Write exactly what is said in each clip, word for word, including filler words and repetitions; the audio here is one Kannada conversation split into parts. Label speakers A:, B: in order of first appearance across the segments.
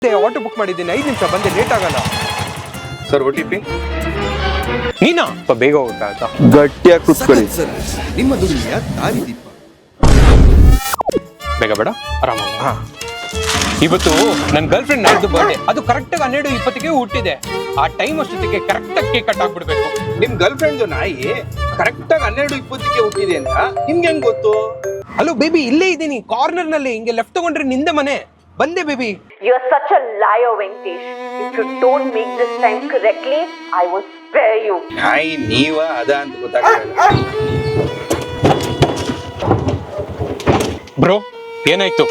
A: ಆಟೋ ಬುಕ್ ಮಾಡಿದ್ದೀನಿ, ಐದು ನಿಮಿಷ ಬಂದೆ, ಲೇಟ್ ಆಗಲ್ಲ
B: ಸರ್. ಓ ಟಿ ಪಿ
A: ನೀನಾ? ಸ್ವಲ್ಪ ಬೇಗ ಹೋಗ್ತಾ ಆಯ್ತಾ?
B: ಗಟ್ಟಿಯಾಗಿ ಕೂತ್ಕೊಳ್ಳಿ.
C: ನಿಮ್ಮ ದುಡಿಮೆಯ ದಾರಿದೀಪ.
A: ಬೇಗ ಬೇಡ, ಆರಾಮ. ಇವತ್ತು ನನ್ನ ಗರ್ಲ್ ಫ್ರೆಂಡ್ ನಾಡ್ದು ಬರ್ಡೇ, ಅದು ಕರೆಕ್ಟ್ ಆಗಿ ಹನ್ನೆರಡು ಇಪ್ಪತ್ತಿಗೆ ಹುಟ್ಟಿದೆ. ಆ ಟೈಮ್ ಅಷ್ಟೊತ್ತಿಗೆ ಕರೆಕ್ಟ್ ಆಗಿ ಕೇಕ್ ಕಟ್ ಆಗ್ಬಿಡ್ಬೇಕು.
B: ನಿಮ್ ಗರ್ಲ್ ಫ್ರೆಂಡ್ ನಾಯಿ ಕರೆಕ್ಟ್ ಆಗಿ ಹನ್ನೆರಡು ಇಪ್ಪತ್ತಿಗೆ ಹುಟ್ಟಿದೆ ಅಂತ ನಿಮ್ಗೆ ಹೆಂಗ್ ಗೊತ್ತು?
A: ಹಲೋ ಬೇಬಿ, ಇಲ್ಲೇ ಇದ್ದೀನಿ ಕಾರ್ನರ್ ನಲ್ಲಿ. ಹಿಂಗೆ ಲೆಫ್ಟ್ ತಗೊಂಡ್ರೆ ನಿಂದೆ ಮನೆ. ಬಂದೆ baby.
D: You are such a liar, Venkatesh. If you don't make this time correctly, I will spare you.
B: ನಾಯಿ ನೀವ ಅದ ಅಂತ ಗೊತ್ತಾಗ್ತಾ
A: ಬ್ರೋ, ಏನಾಯ್ತು?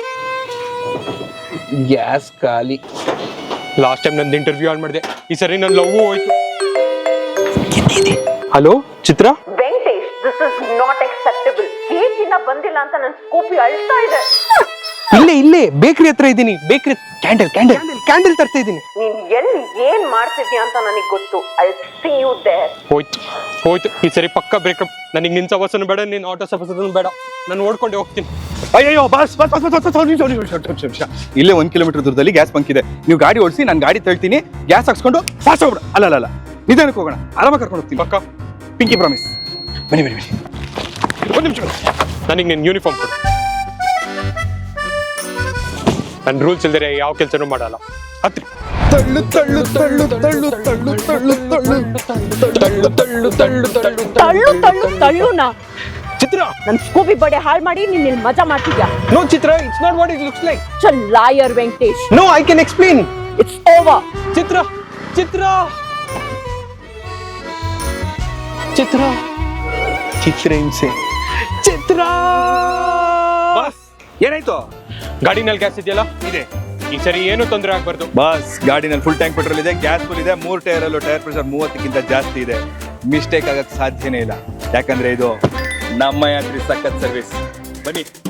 B: ಗ್ಯಾಸ್ ಖಾಲಿ.
A: ಲಾಸ್ಟ್ ಟೈಮ್ ನಂದು ಇಂಟರ್ವ್ಯೂ ಆನ್ ಮಾಡಿದೆ, ಈ ಸರಿ ನನ್ನ ಲವ್ ಹೋಯ್ತು. Hello Chitra.
D: Venkatesh, this is not acceptable. Cake ಇನ್ನ ಬಂದಿಲ್ಲ ಅಂತ ನನ್ನ ಸ್ಕೂಪಿ ಅಳ್ತಾ ಇದೆ.
A: ಇಲ್ಲೇ ಇಲ್ಲೇ ಬೇಕರಿ ಹತ್ರ ಇದ್ದೀನಿ. ಬೇಕರಿ ಕ್ಯಾಂಡಲ್ ಕ್ಯಾಂಡಲ್ ಕ್ಯಾಂಡಲ್ ತರ್ತಾ ಇದ್ದೀನಿ.
D: ನೀನ್ ಎಲ್ಲಿ ಏನ್ ಮಾಡ್ತಿದ್ಯಾ ಅಂತ ನನಗೆ ಗೊತ್ತು. I'll see you there.
A: ಹೋಯ್ತು ಹೋಯ್ತು, ಈ ಸರಿ ಪಕ್ಕ ಬ್ರೇಕಪ್. ನನಗೆ ನಿನ್ ಸವಸನು ಬೇಡ, ನಿನ್ ಆಟೋ ಸವಸನು ಬೇಡ. ನಾನು ಓಡ್ಕೊಂಡೆ ಹೋಗ್ತೀನಿ.
B: ಅಯ್ಯೋ ಬಸ್ ಬಸ್ ಬಸ್ ಬಸ್ ನಿಮಿಷ. ಇಲ್ಲೇ ಒಂದ್ ಕಿಲೋಮೀಟರ್ ದೂರದಲ್ಲಿ ಗ್ಯಾಸ್ ಬಂಕ್ ಇದೆ. ನೀವು ಗಾಡಿ ಓಡಿಸಿ, ನಾನು ಗಾಡಿ ತಳ್ತೀನಿ. Gas ಹಾಕ್ಸ್ಕೊಂಡು fast ಹೋಗ್ಬಿಡ. ಅಲ್ಲ ಅಲ್ಲ ಅಲ್ಲ ನಿಧಾನಕ್ಕೆ ಹೋಗೋಣ, ಆರಾಮಾಗಿ ಕರ್ಕೊಂಡು ಹೋಗ್ತೀನಿ.
A: ಪಕ್ಕ
B: ಪಿಂಕಿ ಪ್ರಾಮಿಸ್. ಬನ್ನಿ ಬನ್ನಿ ಬನ್ನಿ.
A: ಒಂದು ನಿಮಿಷ, ನನಗೆ ನಿನ್ನ ಯೂನಿಫಾರ್ಮ್ ಕೊಡು. ನನ್ನ ರೂಲ್ಸ್ ಇಲ್ದರೆ ಯಾವ ಕೆಲಸನೂ ಮಾಡಲ್ಲ. ಹತ್ರಿ.
B: ತಳ್ಳು ತಳ್ಳು ತಳ್ಳು ತಳ್ಳು ತಳ್ಳು ತಳ್ಳು ತಳ್ಳು ತಳ್ಳು ತಳ್ಳು ತಳ್ಳು ತಳ್ಳು
D: ತಳ್ಳು ತಳ್ಳು ತಳ್ಳುನಾ?
A: ಚಿತ್ರ,
D: ನನ್ನ ಸ್ಕೂಪಿ ಬಡೆ ಹಾಳು ಮಾಡಿ ನೀನ್ ಇಲ್ಲಿ ಮಜಾ ಮಾಡ್ತಿದ್ಯಾ?
A: No Chitra, it's not what it looks like.
D: Such a liar, Venkatesh.
A: No, I can explain.
D: It's over.
A: Chitra Chitra Chitra
B: Chitra ಹಿಂಸೆ.
A: ಚಿತ್ರ.
B: ಬಸ್ ಏನಾಯ್ತು?
A: ಗಾಡಿನಲ್ಲಿ ಗ್ಯಾಸ್ ಇದೆಯಲ್ಲ,
B: ಇದೆ.
A: ಈ ಸರಿ ಏನು ತೊಂದರೆ ಆಗ್ಬಾರ್ದು.
B: ಬಸ್ ಗಾಡಿನಲ್ಲಿ ಫುಲ್ ಟ್ಯಾಂಕ್ ಪೆಟ್ರೋಲ್ ಇದೆ, ಗ್ಯಾಸ್ ಫುಲ್ ಇದೆ, ಮೂರ್ ಟೈರ್ ಅಲ್ಲೂ ಟೈರ್ ಪ್ರೆಷರ್ ಮೂವತ್ತಕ್ಕಿಂತ ಜಾಸ್ತಿ ಇದೆ. ಮಿಸ್ಟೇಕ್ ಆಗಕ್ಕೆ ಸಾಧ್ಯನೇ ಇಲ್ಲ, ಯಾಕಂದ್ರೆ ಇದು ನಮ್ಮ ಯಾತ್ರಿ ಸಖತ್ ಸರ್ವಿಸ್. ಬನ್ನಿ.